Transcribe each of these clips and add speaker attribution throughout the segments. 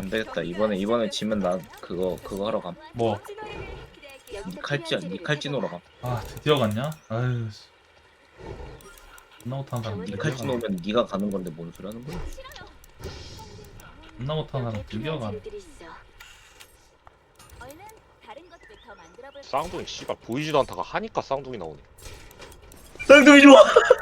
Speaker 1: 안 되겠다. 이번에 지면 나 그거 하러 감.
Speaker 2: 뭐?
Speaker 1: 니 칼찌노러 감.
Speaker 2: 아 드디어 갔냐? 아유 씨. 존나 못하는 사람
Speaker 1: 니
Speaker 2: 드디어
Speaker 1: 칼찌
Speaker 2: 가네.
Speaker 1: 놓으면 니가 가는 건데 뭔 소리 하는 거야?
Speaker 2: 존나 못하는 사람 드디어 가네.
Speaker 3: 쌍둥이 씨발 보이지도 않다가 하니까 쌍둥이 나오네.
Speaker 1: 쌍둥이 좋아.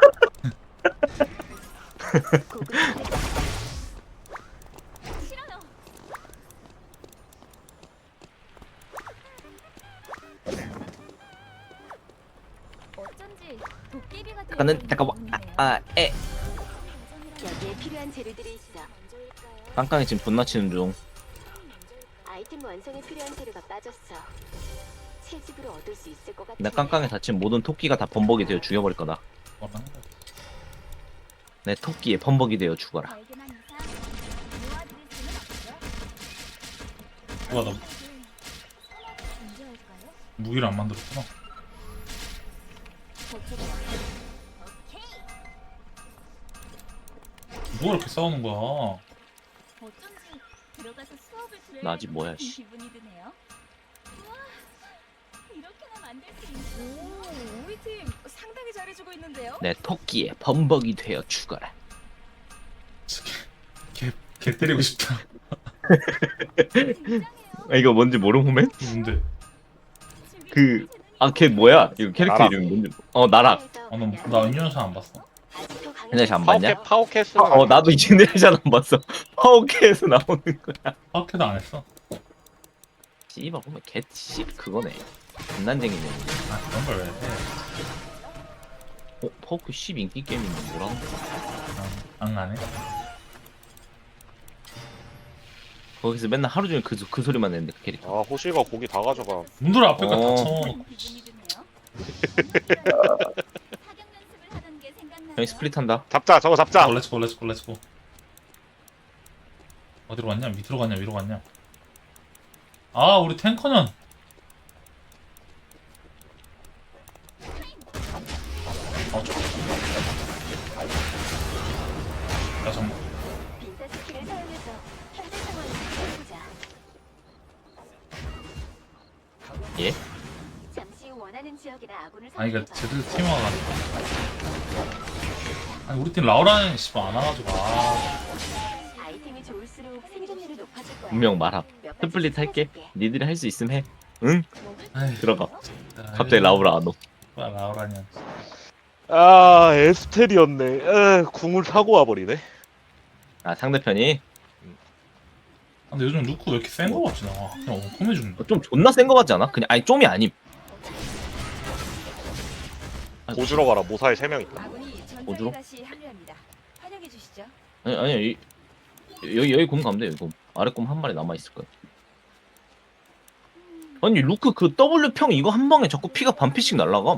Speaker 1: 에.
Speaker 4: 여기에 필요한 재료들이 있어.
Speaker 1: 깡깡이 지금 분나 치는 중.
Speaker 4: 아이템 완성에 필요한 재료가 빠졌어. 채집으로 얻을 수 있을 것 같아.
Speaker 1: 내 깡깡에 다친 모든 토끼가 다 범벅이 되어 죽여버릴 거다.
Speaker 2: 뭐라는 거야?
Speaker 1: 내 토끼에 범벅이 되어 죽어라.
Speaker 2: 누가 너 무기를 안 만들었구나. 누가 이렇게 싸우는 거야?
Speaker 1: 나 아직 뭐야, 씨.
Speaker 5: 우리 팀 상당히 잘해주고 있는데요.
Speaker 1: 내 토끼에 범벅이 되어 죽어라.
Speaker 2: 개 때리고 싶다.
Speaker 1: 아, 이거 뭔지 모르는 후면?
Speaker 2: 뭔데?
Speaker 1: 걔 뭐야? 이거 캐릭터
Speaker 3: 나락.
Speaker 1: 이름이 뭔지. 나락.
Speaker 2: 나 은연사 안 봤어.
Speaker 1: 옛날에 안 봤냐?
Speaker 3: 파워캐스.
Speaker 1: 나도 이 제네레이션 안 봤어. 파워캐에서 나오는 거야.
Speaker 2: 파악해도 안 했어.
Speaker 1: 씨발 보면 개씨 그거네. 장난쟁이네.
Speaker 2: 아 그런 걸 왜 해?
Speaker 1: 파워캐 10 인기 게임인데 뭐라는 거야?
Speaker 2: 안 가네.
Speaker 1: 거기서 맨날 하루 종일 그 소리만 내는데 그 캐릭터.
Speaker 3: 아 호시가 고기 다 가져가.
Speaker 2: 문들 앞에가
Speaker 1: 어.
Speaker 2: 닫혀.
Speaker 1: 형이 스플릿 한다.
Speaker 3: 잡자 저거 잡자.
Speaker 2: 렛츠고 렛츠고 렛츠고. 어디로 갔냐? 밑으로 갔냐? 위로 갔냐? 아 우리 탱커년. 야 잠깐.
Speaker 4: 빈사 스킬을 사용해서 현재 상황을 살펴보자.
Speaker 1: 예?
Speaker 4: 잠시 원하는 지역이나 아군을
Speaker 2: 아니 이거
Speaker 4: 선택해봐.
Speaker 2: 제대로 팀워가 아니 우리 팀 라우라는 씨발 안 와가지고
Speaker 4: 아이템이 좋을수록 생존율이 높아질 거야.
Speaker 1: 분명 말함.
Speaker 4: 몇 가지
Speaker 1: 스플릿 할게.
Speaker 4: 찾아줄게.
Speaker 1: 니들이 할 수 있음 해. 응?
Speaker 2: 아이,
Speaker 1: 들어가.
Speaker 2: 진짜.
Speaker 1: 갑자기 라우라 안 오.
Speaker 2: 라우라냐.
Speaker 3: 아 에스텔이었네. 궁을 타고 와버리네.
Speaker 1: 아 상대편이
Speaker 2: 근데 요즘 루크 왜 이렇게 센 거 같지 나. 그냥 엉컴해 죽는다.
Speaker 1: 좀 존나 센 거 같지 않아? 그냥 아니 좀이 아님.
Speaker 3: 고주러 가라. 모사에 3명 있다.
Speaker 5: 아군이
Speaker 1: 어디로?
Speaker 5: 전장에 다시 합류합니다. 환영해 주시죠.
Speaker 1: 아니 여기 곰 가면 돼. 여기 곰. 아래 곰 한 마리 남아 있을 거야. 아니 루크 그 W 평 이거 한 방에 자꾸 피가 반피씩 날라감.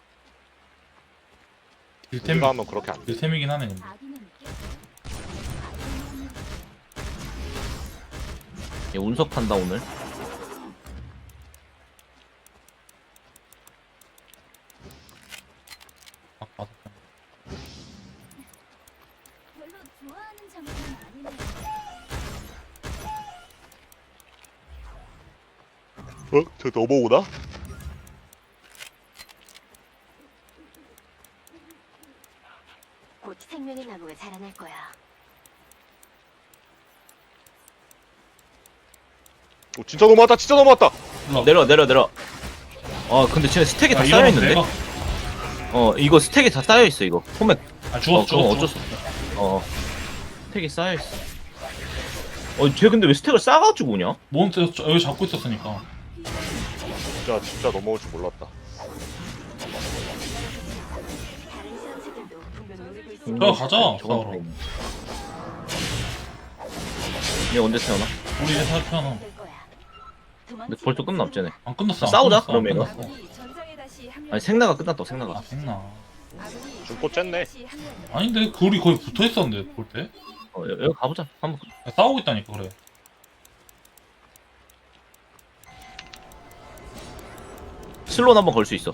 Speaker 2: 딜템
Speaker 3: 우리가 하면 그렇게 안 돼.
Speaker 2: 딜템이긴 하네 근데.
Speaker 1: 얘 운석 탄다 오늘.
Speaker 2: 아 맞아.
Speaker 4: 별로 좋아하는 장면은 아니네.
Speaker 3: 저 넘어오나?
Speaker 4: 곧 생명의 나무가 자라날 거야.
Speaker 3: 오, 진짜 넘어왔다. 진짜 넘어왔다.
Speaker 1: 내려. 근데 쟤네 스택이 다 쌓여 있는데. 이거 스택이 다 쌓여 있어 이거. 포맥.
Speaker 2: 아 죽었어
Speaker 1: 그건
Speaker 2: 죽었어.
Speaker 1: 어쩔 수 없어. 스택이 쌓여 있어. 쟤 근데 왜 스택을 쌓아가지고 오냐?
Speaker 2: 뭔 여기 잡고 있었으니까.
Speaker 3: 진짜 넘어올 줄 몰랐다.
Speaker 4: 다른 선수들도 분명 노리고 있을
Speaker 2: 야 가자
Speaker 1: 저건
Speaker 2: 싸우러.
Speaker 1: 얘 언제 태어나?
Speaker 2: 우리 이제 다 태어나.
Speaker 4: 거야.
Speaker 1: 근데 벌써 끝나 없잖아.
Speaker 2: 안 끝났어. 안
Speaker 1: 싸우자,
Speaker 2: 끝났어, 안
Speaker 1: 그러면 이거.
Speaker 2: 끝났어.
Speaker 5: 아군이 전장에 다시 합류합니다.
Speaker 1: 아니 생나가 끝났다 생나가.
Speaker 2: 아 생나.
Speaker 5: 아군이
Speaker 3: 죽고 쨌네.
Speaker 5: 다시 합류합니다.
Speaker 2: 아닌데 그 우리 거의 붙어 있었는데 볼 때.
Speaker 1: 여기 가보자. 한번.
Speaker 2: 야, 싸우고 있다니까 그래.
Speaker 1: 슬롯 한번 걸 수 있어.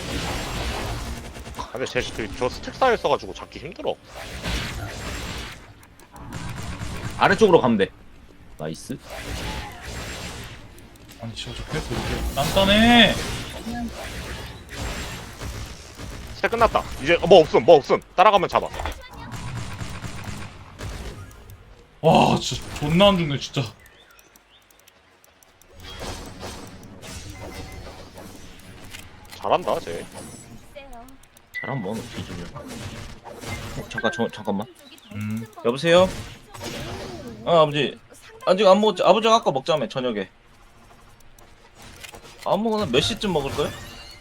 Speaker 3: 근데 저 스택 쌓여 있어가지고 잡기 힘들어.
Speaker 1: 아래쪽으로 가면 돼. 나이스.
Speaker 2: 아니 진짜 저 캐릭터 이렇게 단단해.
Speaker 3: 스택 끝났다. 이제 뭐 없음. 따라가면 잡아.
Speaker 2: 와 진짜 존나 안 죽네 진짜.
Speaker 3: 잘한다 쟤.
Speaker 5: 세요.
Speaker 1: 잘하면 뭐 뒤지면. 잠깐만.
Speaker 2: 여보세요?
Speaker 1: 아버지 아직 안 먹었지? 아버지가 아까 먹자며 저녁에. 안 먹으면 몇 시쯤 먹을 거야?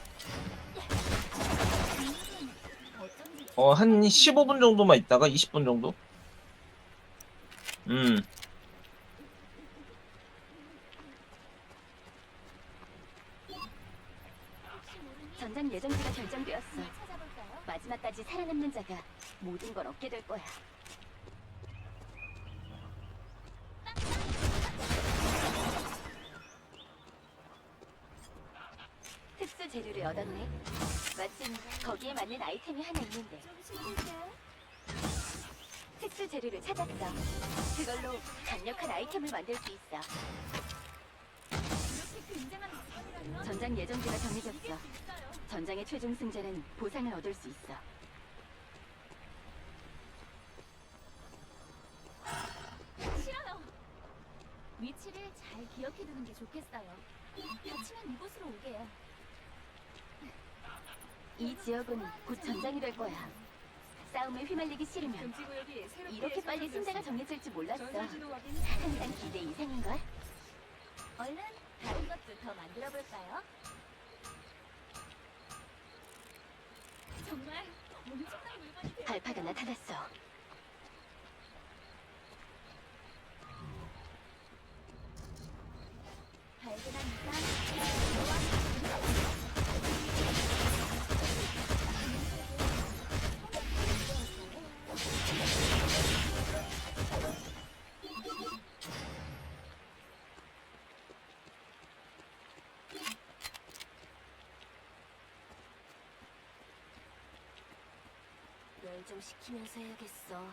Speaker 1: 한 15분 정도만 있다가 20분 정도?
Speaker 4: 전장 예정지가 결정되었어. 마지막까지 살아남는 자가 모든 걸 얻게 될 거야. 특수 재료를 얻었네. 마침 거기에 맞는 아이템이 하나 있는데. 특수 재료를 찾았어. 그걸로 강력한 아이템을 만들 수 있어. 전장 예정지가 정해졌어. 전장의 최종 승자는 보상을 얻을 수 있어.
Speaker 6: 싫어요. 위치를 잘 기억해두는 게 좋겠어요. 다치면 이곳으로 오게요.
Speaker 4: 이 지역은 곧 전장이 될 거야. 싸움에 휘말리기 싫으면 이렇게 빨리 승자가 정해질지 몰랐어. 항상 기대 이상인걸?
Speaker 6: 얼른 다른 것도 더 만들어 볼까요? 정말 엄청난 물건이 돼요.
Speaker 4: 발파가 나타났어.
Speaker 6: 발견한 이상
Speaker 4: 멸종시키면서 해야겠어.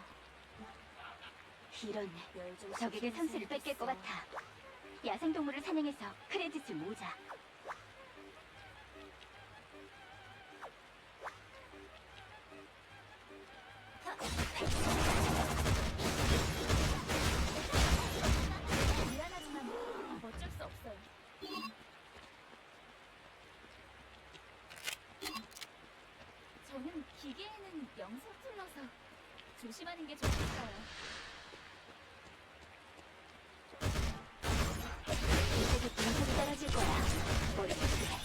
Speaker 4: 이런 적에게 선수를 뺏길 것 같아. 야생동물을 사냥해서 크레딧을 모자.
Speaker 6: 미안하지만 어쩔 수 없어요. 저는 기계에는 영상 틀러서 조심하는 게 좋겠어요.
Speaker 4: 이제도 분석이 떨어질 거야. 머리 조심해.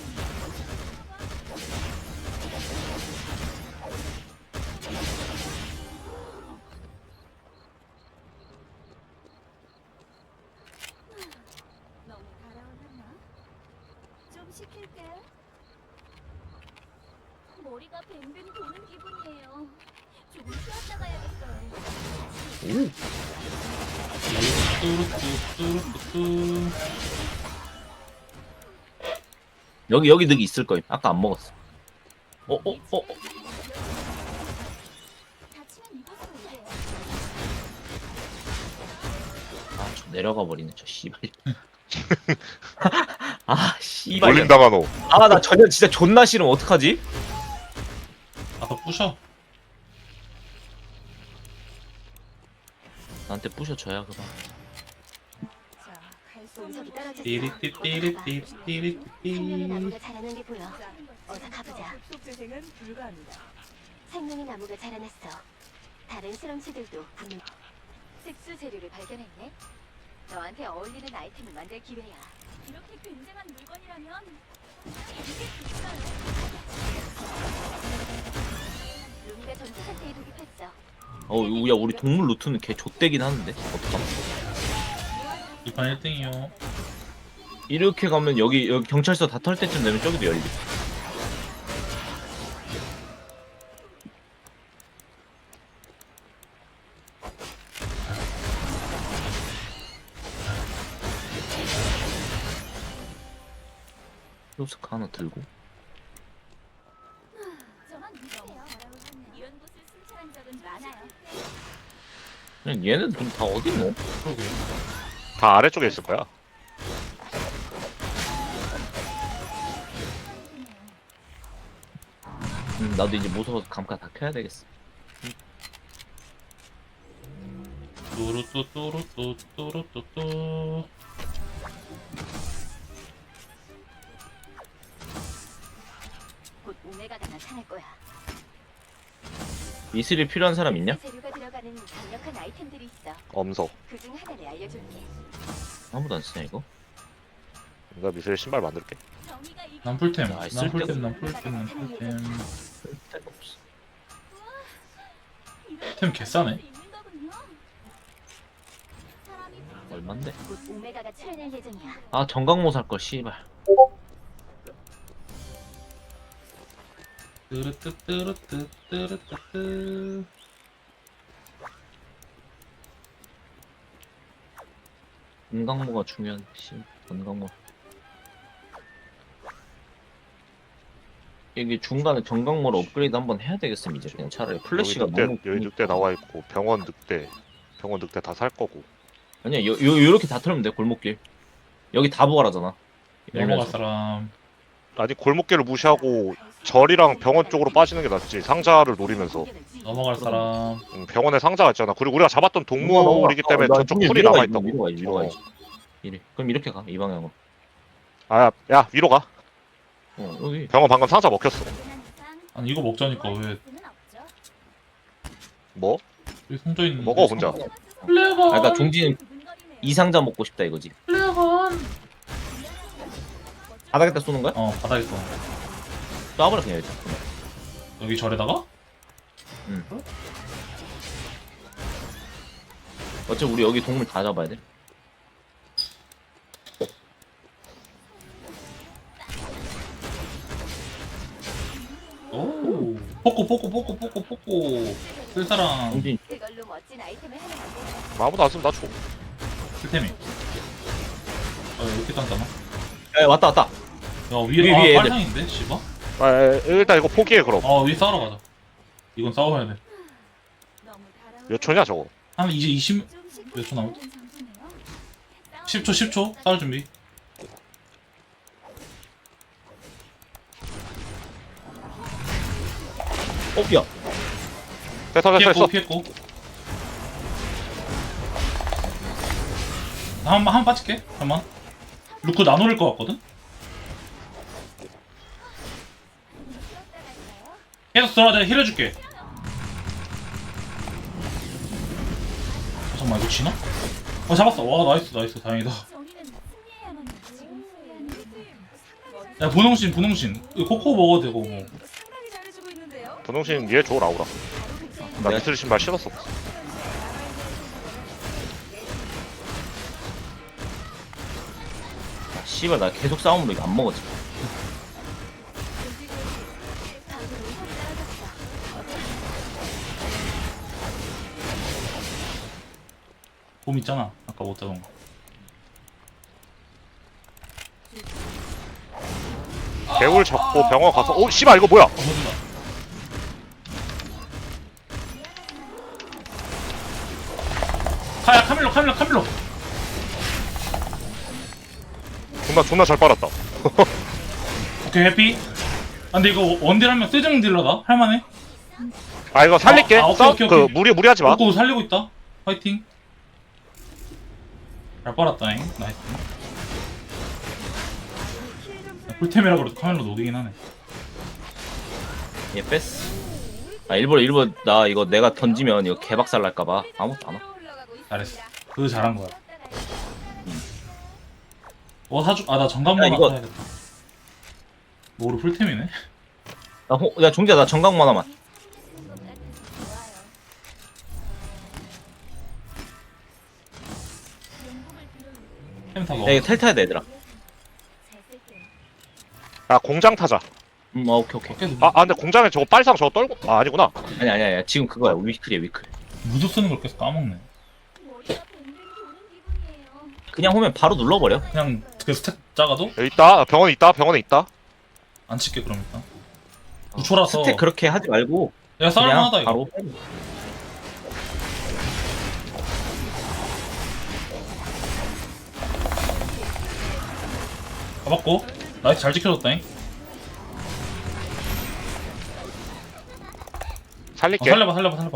Speaker 6: 너무 달아올랐나? 좀 시킬게. 머리가 뱅뱅 도는 기분이에요. 조금 쉬었다 가야겠어요.
Speaker 2: 뚜루뚜뚜루뚜뚜.
Speaker 1: 여기 늑 있을 거임. 아까 안 먹었어.
Speaker 6: 다치면 이곳으로 오게요.
Speaker 1: 저 내려가 버리네 저 씨발. 씨발.
Speaker 3: 몰린다가 너.
Speaker 1: 나 저녁 진짜 존나 싫으면 어떡하지?
Speaker 2: 아까 부셔.
Speaker 1: 나한테 부셔줘야 그만.
Speaker 4: 분석이 떨어졌어.
Speaker 2: 띠리띠띠리띠
Speaker 4: 생명의
Speaker 2: 띠리띠.
Speaker 4: 나무가 자라는 게 보여. 어서 가보자.
Speaker 5: 속 재생은 불가합니다.
Speaker 4: 생명의 나무가 자라났어. 다른 실험체들도 분명. 특수 재료를 발견했네. 너한테 어울리는 아이템을 만들 기회야.
Speaker 6: 이렇게 굉장한 물건이라면 이게 좋아요.
Speaker 4: 루미가 전투 상태에 돌입했어.
Speaker 1: 야 우리 동물 루트는 개 좆대긴 하는데 어떡함?
Speaker 2: 이판 1등이요.
Speaker 1: 이렇게 가면 여기 경찰서 다 털 때쯤 되면 저기도 열리. 로스카 하나 들고.
Speaker 6: 저만 믿으세요. 이런 곳을 순찰한 적은 많아요.
Speaker 1: 그냥 얘는 돈 다 어디 있노?
Speaker 2: 그러게.
Speaker 3: 다 아래쪽에 있을 거야.
Speaker 1: 나도 이제 무서워서 감가 다 켜야 되겠어.
Speaker 2: 뚜루뚜뚜루뚜뚜루뚜뚜.
Speaker 4: 곧 오메가가 나타날 거야.
Speaker 1: 미술이 필요한 사람 있냐?
Speaker 4: 재료가 들어가는 강력한 아이템들이 있어.
Speaker 3: 엄석.
Speaker 4: 그중 하나를 알려줄게.
Speaker 1: 아무도 안 쓰냐 이거?
Speaker 3: 내가 미술 신발 만들게.
Speaker 6: 정의가 이
Speaker 2: 난 풀템.
Speaker 1: 아,
Speaker 2: 난
Speaker 1: 쓸데없-
Speaker 2: 풀템. 난 풀템. 난 풀템.
Speaker 1: 쓸데가 없어.
Speaker 2: 템 개싸네.
Speaker 1: 얼만데?
Speaker 4: 곧 오메가가 출연할 예정이야.
Speaker 1: 아 정강모 살걸 씨발.
Speaker 2: 뚜루뚜뚜루뚜뚜루뚜뚜.
Speaker 1: 은강모가 중요한 씨. 은강모. 여기 중간에 정강모를 업그레이드 한번 해야 되겠음 이제 그냥 차라리 플래시가
Speaker 3: 여기
Speaker 1: 너무
Speaker 3: 늑대, 여기 늑대 나와 있고 병원 늑대 다 살 거고.
Speaker 1: 아니야 요렇게 다 털면 돼 골목길 여기 다 부활하잖아.
Speaker 2: 넘어갈 사람.
Speaker 3: 아니 골목길을 무시하고 절이랑 병원 쪽으로 빠지는 게 낫지. 상자를 노리면서.
Speaker 2: 넘어갈 사람.
Speaker 3: 병원에 상자가 있잖아. 그리고 우리가 잡았던 동물이기 때문에 저쪽 풀이 남아 있다고.
Speaker 1: 위로 가야지. 이래. 그럼 이렇게 가 이 방향으로.
Speaker 3: 야 위로 가.
Speaker 1: 여기.
Speaker 3: 병원 방금 상자 먹혔어.
Speaker 2: 아니 이거 먹자니까 왜
Speaker 3: 뭐?
Speaker 2: 여기 송져 있는.
Speaker 3: 먹어 혼자.
Speaker 2: 플레어건.
Speaker 1: 아 그러니까 종지는 이 상자 먹고 싶다 이거지.
Speaker 2: 플레어건.
Speaker 1: 바닥에다 쏘는 거야?
Speaker 2: 바닥에 써.
Speaker 1: 쏴버려 그냥 일단.
Speaker 2: 여기 절에다가?
Speaker 1: 응. 어차피 우리 여기 동물 다 잡아야 돼.
Speaker 2: 오. 포코. 쓸 사람.
Speaker 1: 종진
Speaker 4: 그걸로 멋진 아이템을 하나 만들자.
Speaker 3: 아무도 안 쓰면 나 줘.
Speaker 2: 쓸템이. 이렇게 단다나?
Speaker 1: 야 왔다.
Speaker 2: 야 위에
Speaker 1: 위에 애들.
Speaker 2: 빨상인데 씨발.
Speaker 3: 일단 이거 포기해 그럼.
Speaker 2: 위에 싸우러 가자. 이건 싸워야 돼.
Speaker 3: 몇 초냐 저거?
Speaker 2: 한 이제 20 몇 초 남았? 10초 싸울 준비.
Speaker 1: 야.
Speaker 3: 됐어.
Speaker 2: 피했고. 나 한번 빠질게. 잠깐만. 루크 나노릴 것 같거든? 계속 들어와 내가 힐해줄게. 잠깐만 이거 지나? 잡았어. 와 나이스 다행이다.
Speaker 6: 정의는 승리해야만 해. 지금 승리하는
Speaker 2: 야 분홍신 이거 코코 먹어도 되고 뭐.
Speaker 5: 상당히 잘해주고 있는데요.
Speaker 3: 분홍신 얘 줘 라우라. 나
Speaker 1: 내가-
Speaker 3: 미술 신발 신었어.
Speaker 1: 씨발 나 계속 싸움으로 이거 안 먹었지.
Speaker 2: 봄 있잖아. 아까 못 잡은 거.
Speaker 3: 개울 잡고 병원 가서 오 씨발 이거 뭐야?
Speaker 2: 해준다. 카밀로.
Speaker 3: 존나 잘 빨았다.
Speaker 2: 오케이 해피. 근데 이거 원딜 하면 세정 딜러다. 할만해.
Speaker 3: 이거 살릴게.
Speaker 2: 오케이.
Speaker 3: 그 무리하지 마.
Speaker 2: 코코 살리고 있다. 화이팅. 잘 빨았다잉. 나이스. 풀템이라 그래도 카밀로 노리긴 하네.
Speaker 1: 얘 뺐어. 일부러 나 이거 내가 던지면 이거 개박살 날까봐 아무것도 안 와.
Speaker 2: 잘했어. 그거 잘한 거야. 나 정강만
Speaker 1: 야, 이거-
Speaker 2: 사야겠다. 뭐로 풀템이네?
Speaker 1: 야 종지야 나 정강모 하나만.
Speaker 2: 템 다 먹어.
Speaker 1: 야 이거 텔 타야 돼 얘들아.
Speaker 3: 야 공장 타자.
Speaker 1: 오케이.
Speaker 2: 계속
Speaker 3: 근데 공장에 저거 빨상 저거 떨고 아니구나.
Speaker 1: 아니야 지금 그거야 위클이야 위클.
Speaker 2: 무드 쓰는 걸 계속 까먹네.
Speaker 6: 머리가 뱅뱅 도는 기분이에요.
Speaker 1: 그냥 오면 바로 눌러버려.
Speaker 2: 그냥 그 스택 작아도
Speaker 3: 여기 있다. 병원에 있다.
Speaker 2: 안 칠게 그럼 일단. 9초라서.
Speaker 1: 스택 그렇게 하지 말고
Speaker 2: 야
Speaker 1: 그냥
Speaker 2: 싸울만하다 이거.
Speaker 1: 바로.
Speaker 2: 잡았고. 나이스 잘 지켜줬다잉.
Speaker 3: 살릴게.
Speaker 2: 살려봐.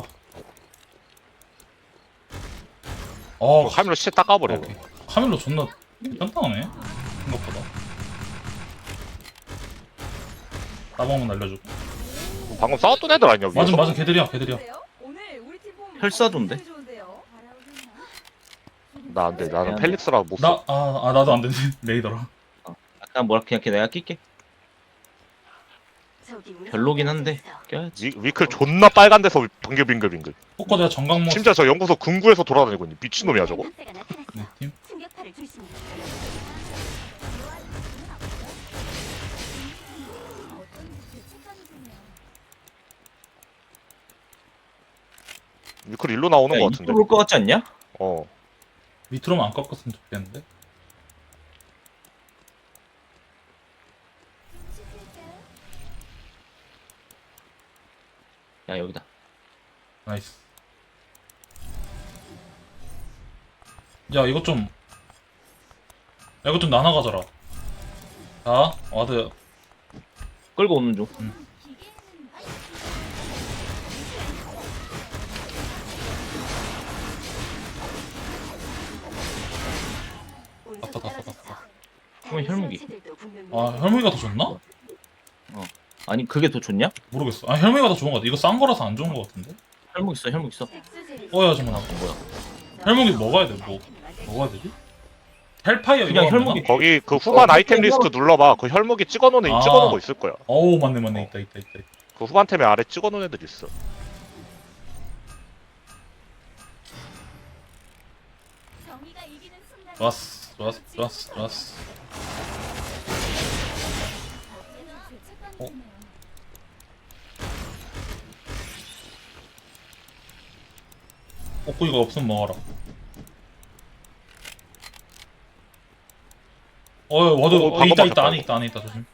Speaker 2: 어,
Speaker 3: 카밀로 시체 닦아버려.
Speaker 2: 오케이. 카밀로 존나 딴딴하네. 생각보다. 따봉은 날려주고.
Speaker 3: 방금 싸웠던 애들 아니야 위에서?
Speaker 2: 맞아, 걔들이야.
Speaker 5: 오늘 우리 팀 폼
Speaker 1: 혈사존데?
Speaker 5: 굉장히 좋은데요.
Speaker 3: 나 안돼. 나는 펠릭스라 못
Speaker 2: 나,
Speaker 3: 써.
Speaker 2: 나도 안 되지. 레이더라.
Speaker 1: 약간 뭐라 그냥 내가 낄게.
Speaker 4: 저기 우리
Speaker 1: 별로긴 한데
Speaker 4: 있어.
Speaker 1: 껴야지.
Speaker 3: 위클 존나 빨간 데서 빙글빙글.
Speaker 2: 포커 내가 정강모
Speaker 3: 심지어 저 연구소 금구에서 돌아다니고 있니? 미친놈이야 저거?
Speaker 4: 학생가 나타났어.
Speaker 2: 네, 팀.
Speaker 4: 충격파를 조심해.
Speaker 3: 위클 일로 나오는
Speaker 1: 야,
Speaker 3: 거 같은데?
Speaker 1: 이쪽으로 올것 같지 않냐?
Speaker 3: 어.
Speaker 2: 밑으로만 안 꺾었으면 좋겠는데.
Speaker 1: 야 여기다.
Speaker 2: 나이스. 야 이것 좀 나눠 가져라. 자 와드.
Speaker 1: 끌고 오는 중.
Speaker 4: 운석
Speaker 2: 아빠.
Speaker 4: 떨어졌어.
Speaker 1: 그러면 혈무기.
Speaker 4: 수치들도 분명히
Speaker 2: 아 혈무기가 더 좋나?
Speaker 1: 아니 그게 더 좋냐?
Speaker 2: 모르겠어. 아 혈무기가 더 좋은 거 같아. 이거 싼 거라서 안 좋은 거 같은데.
Speaker 1: 혈목 있어.
Speaker 4: 색소제를
Speaker 2: 어야 잠깐만.
Speaker 1: 뭐야?
Speaker 2: 혈무기 먹어야 돼. 뭐 먹어야 되지? 헬파이어
Speaker 1: 그냥
Speaker 2: 이거 하면
Speaker 1: 혈무기.
Speaker 2: 되나?
Speaker 3: 거기 그 후반 아이템
Speaker 1: 그냥
Speaker 3: 리스트 눌러봐. 그 혈무기 찍어놓은
Speaker 2: 아.
Speaker 3: 찍어놓은 거 있을 거야.
Speaker 2: 어우 맞네 있다.
Speaker 3: 그 후반템에 아래 찍어놓은 애들 있어.
Speaker 6: 정의가 이기는 순간
Speaker 2: 좋았어. 어? 꼬꾸이가 없으면 먹어라. 와드
Speaker 3: 방금
Speaker 2: 있다
Speaker 3: 막혔다,
Speaker 2: 안에 있다 조심.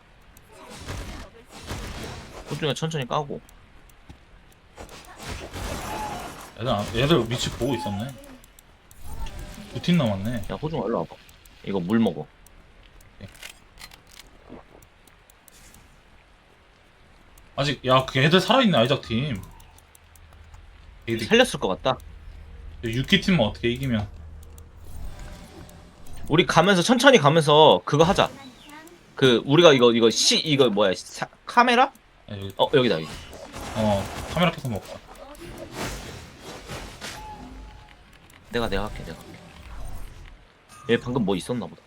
Speaker 1: 호중이가 천천히 까고.
Speaker 2: 얘들 위치 보고 있었네. 2팀 남았네.
Speaker 1: 야 호중아 일로 와봐. 이거 물 먹어.
Speaker 2: 아직 야 그 애들 살아있네 아이작 팀. 애들
Speaker 1: 살렸을 것 같다.
Speaker 2: 유키 팀만 어떻게 이기면.
Speaker 1: 우리 가면서 천천히 가면서 그거 하자. 그 우리가 이거 뭐야 카메라?
Speaker 2: 아, 여기,
Speaker 1: 여기다 여기.
Speaker 2: 카메라 켜서 먹자.
Speaker 1: 내가 할게. 얘 방금 뭐 있었나 보다.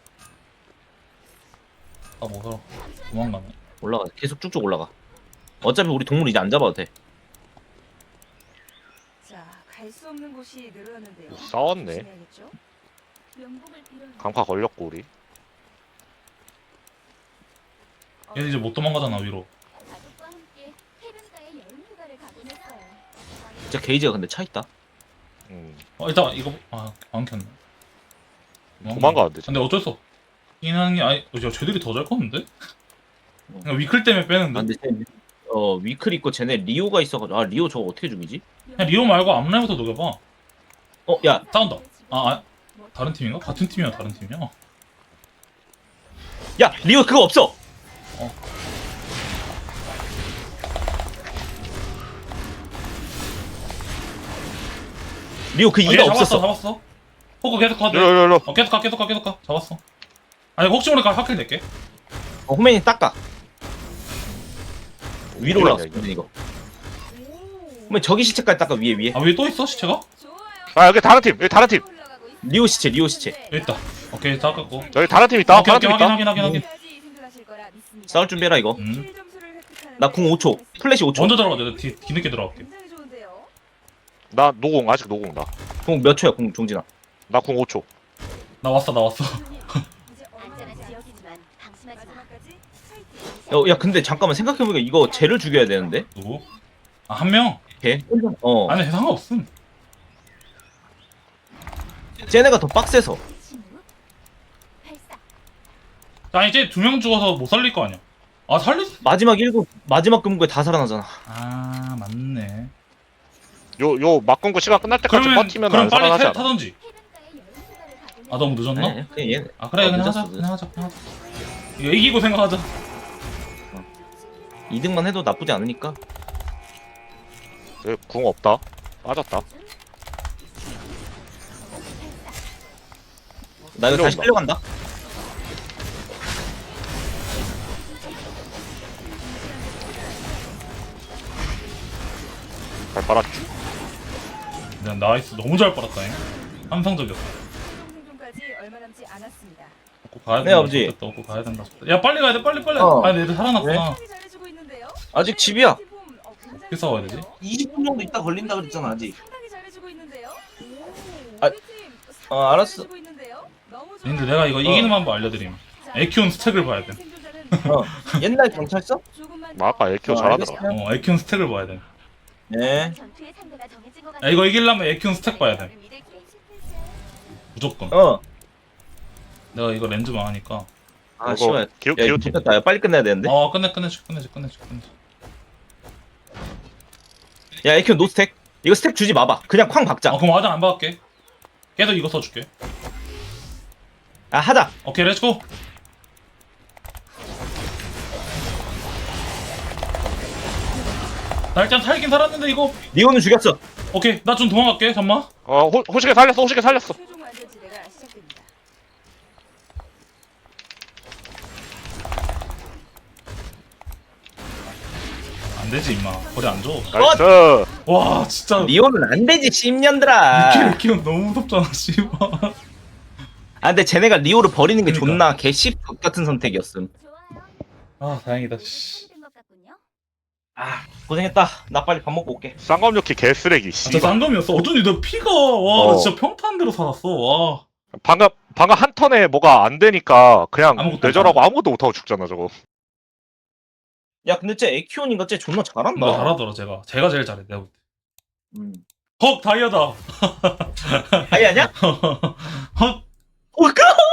Speaker 2: 아 먹어라. 도망가네.
Speaker 1: 올라가. 계속 쭉쭉 올라가. 어차피 우리 동물 이제 안 잡아도 돼.
Speaker 5: 자, 갈 수 없는 곳이 늘어났는데요.
Speaker 3: 싸웠네.
Speaker 5: 조심해야겠죠?
Speaker 6: 명복을 빌어요.
Speaker 3: 강파 걸렸고 우리.
Speaker 2: 얘들 이제 못 도망가잖아 위로.
Speaker 6: 가족과 함께 해변가에 여름 휴가를 가곤 했어요.
Speaker 1: 진짜 게이지가 근데 차 있다.
Speaker 2: 일단 이거 안 켰네.
Speaker 3: 도망가는데.
Speaker 2: 근데 어쩔 수 없. 하는 게 아니 쟤들이 더 잘 컸는데? 그냥 위클 때문에
Speaker 1: 아,
Speaker 2: 빼는데.
Speaker 1: 근데 위클 있고 쟤네 리오가 있어가지고 리오 저거 어떻게 죽이지?
Speaker 2: 그냥 리오 말고 앞라인부터 녹여봐.
Speaker 1: 야
Speaker 2: 싸운다. 다른 팀인가? 같은 팀이야 다른 팀이야.
Speaker 1: 야 리오 그거 없어. 리오 그 이가 없었어.
Speaker 2: 잡았어. 호그 계속 가.
Speaker 3: 일로.
Speaker 2: 계속 가. 잡았어. 아니 혹시 모르니까 하킬 낼게.
Speaker 1: 호맨이 닦아. 위로 올라갔어.
Speaker 3: 이거.
Speaker 1: 이거. 호맨 저기 시체까지 닦아 위에.
Speaker 2: 위에 또 있어 시체가?
Speaker 5: 좋아요.
Speaker 3: 아 여기 다른 팀.
Speaker 5: 올라가고 있습니다.
Speaker 1: 리오 시체.
Speaker 2: 여기 있다. 오케이 다 깎고.
Speaker 3: 여기 다른 팀 있다.
Speaker 2: 오케이
Speaker 3: 다른 팀 있다.
Speaker 2: 확인.
Speaker 5: 끝까지 생각하실 거라 믿습니다.
Speaker 1: 싸울 준비해라 이거.
Speaker 5: 킬 점수를 획득하는
Speaker 1: 나 궁 5초. 플래시 5초.
Speaker 2: 먼저 들어가자. 내가 뒤늦게 들어갈게.
Speaker 5: 굉장히 좋은데요.
Speaker 3: 나 노공 아직 노공 나.
Speaker 1: 궁 몇 초야 궁 종진아.
Speaker 3: 나 궁 5초.
Speaker 2: 나 왔어.
Speaker 5: 이제
Speaker 4: 안전한 지역이지만 방심하지 마.
Speaker 5: 마지막까지 파이팅.
Speaker 1: 야 근데 잠깐만 생각해보니까 이거 쟤를 죽여야 되는데.
Speaker 2: 누구? 한 명?
Speaker 1: 걔?
Speaker 2: 아니 상관없음.
Speaker 1: 쟤네가 더 빡세서.
Speaker 6: 침묵, 발사.
Speaker 2: 아니 이제 2명 죽어서 못 살릴 거 아니야.
Speaker 1: 마지막 금고에 다 살아나잖아.
Speaker 2: 맞네.
Speaker 3: 요 막군구 시간 끝날 때까지 버티면
Speaker 2: 그럼
Speaker 3: 안
Speaker 2: 빨리
Speaker 3: 살아나지 않아.
Speaker 2: 타던지.
Speaker 6: 해변가에 여름 휴가를 가곤 했어요.
Speaker 2: 너무 늦었나?
Speaker 1: 그냥 얘.
Speaker 2: 그래 그냥
Speaker 1: 늦었어,
Speaker 2: 하자. 이거 이기고 생각하자.
Speaker 1: 2등만 해도 나쁘지 않으니까.
Speaker 3: 궁 없다. 빠졌다.
Speaker 1: 나 이거 다시
Speaker 3: 끌려온다.
Speaker 1: 끌려간다.
Speaker 3: 잘 빨았지.
Speaker 2: 그냥 나이스 너무 잘 빨았다잉. 환상적이었어.
Speaker 5: 생존까지 얼마 남지 않았습니다.
Speaker 2: 먹고 가야
Speaker 1: 네,
Speaker 2: 된다.
Speaker 1: 아버지.
Speaker 2: 좋겠다. 먹고 가야 된다. 좋겠다. 야 빨리 가야 돼. 빨리.
Speaker 1: 어.
Speaker 2: 아 얘들 살아났구나.
Speaker 5: 상당히 잘해주고 있는데요.
Speaker 1: 아직 집이야.
Speaker 5: 팀, 굉장히
Speaker 2: 어떻게 싸워야 되지?
Speaker 1: 20분 정도 있다 걸린다 그랬잖아 아직.
Speaker 5: 상당히 잘해주고 있는데요.
Speaker 1: 아,
Speaker 5: 우리 팀 상당히
Speaker 1: 알았어.
Speaker 5: 잘해주고 있는데요. 너무
Speaker 2: 근데 내가 이거 이기는 방법 알려드림.
Speaker 5: 자,
Speaker 2: 에키온 스택을 봐야 돼.
Speaker 5: 생존자는
Speaker 1: 어. 옛날 경찰서?
Speaker 5: 조금만
Speaker 3: 나 아까 에키오
Speaker 1: 어,
Speaker 3: 잘하더라.
Speaker 1: 알겠어요.
Speaker 2: 에키온 스택을 봐야 돼.
Speaker 1: 네.
Speaker 4: 전투의 상대가 정해진 것
Speaker 2: 야,
Speaker 4: 같아.
Speaker 2: 이거 이기려면 에키온 스택 봐야 돼.
Speaker 4: 너를 믿을게.
Speaker 2: 무조건.
Speaker 1: 어.
Speaker 2: 내가 이거 렌즈만 하니까.
Speaker 1: 아
Speaker 3: 이거
Speaker 1: 씨발.
Speaker 3: 기호
Speaker 1: 야 이거
Speaker 3: 팀.
Speaker 1: 좋겠다. 야, 빨리 끝내야 되는데.
Speaker 2: 끝내줘.
Speaker 1: 야 에큐 노 스택. 이거 스택 주지 마봐. 그냥 쾅 박자.
Speaker 2: 그럼 화장 안 받을게. 계속 이거 써줄게.
Speaker 1: 아 하자.
Speaker 2: 오케이, 렛츠고. 나 일단 살긴 살았는데 이거.
Speaker 1: 니오는 죽였어.
Speaker 2: 오케이, 나 좀 도망갈게. 잠만.
Speaker 3: 호시게 살렸어. 호시게 살렸어.
Speaker 5: 최종 완전지대가 시작됩니다.
Speaker 2: 안 되지 임마. 거리 안 줘.
Speaker 3: 나이스.
Speaker 2: 와 진짜.
Speaker 1: 니오는 안 되지 10년들아.
Speaker 2: 이키는 너무 무섭잖아 씨발.
Speaker 1: 아 근데 쟤네가 리오를 버리는 게
Speaker 2: 그러니까.
Speaker 1: 존나 개씹 같은 선택이었음.
Speaker 6: 좋아요.
Speaker 2: 아 다행이다. 씨.
Speaker 6: 된것 같군요.
Speaker 1: 아 고생했다. 나 빨리 밥 먹고 올게.
Speaker 3: 쌍검요키 개쓰레기.
Speaker 2: 아, 저
Speaker 3: 씨발.
Speaker 2: 쌍검이었어. 어쩐지 너 피가 와, 나
Speaker 3: 어.
Speaker 2: 진짜 평탄대로 살았어. 와.
Speaker 3: 방금 한 턴에 뭐가 안 되니까 그냥
Speaker 2: 아무것도
Speaker 3: 뇌절하고 아무것도 못하고 죽잖아 저거.
Speaker 1: 야 근데 쟤 에키온인가 쟤 존나 잘한다.
Speaker 2: 나 잘하더라 제가. 제가 제일 잘해 내가 볼 때.
Speaker 1: 음.
Speaker 2: 헉 다이아다.
Speaker 1: 아니 아니야?
Speaker 2: 헉.
Speaker 1: 어 까?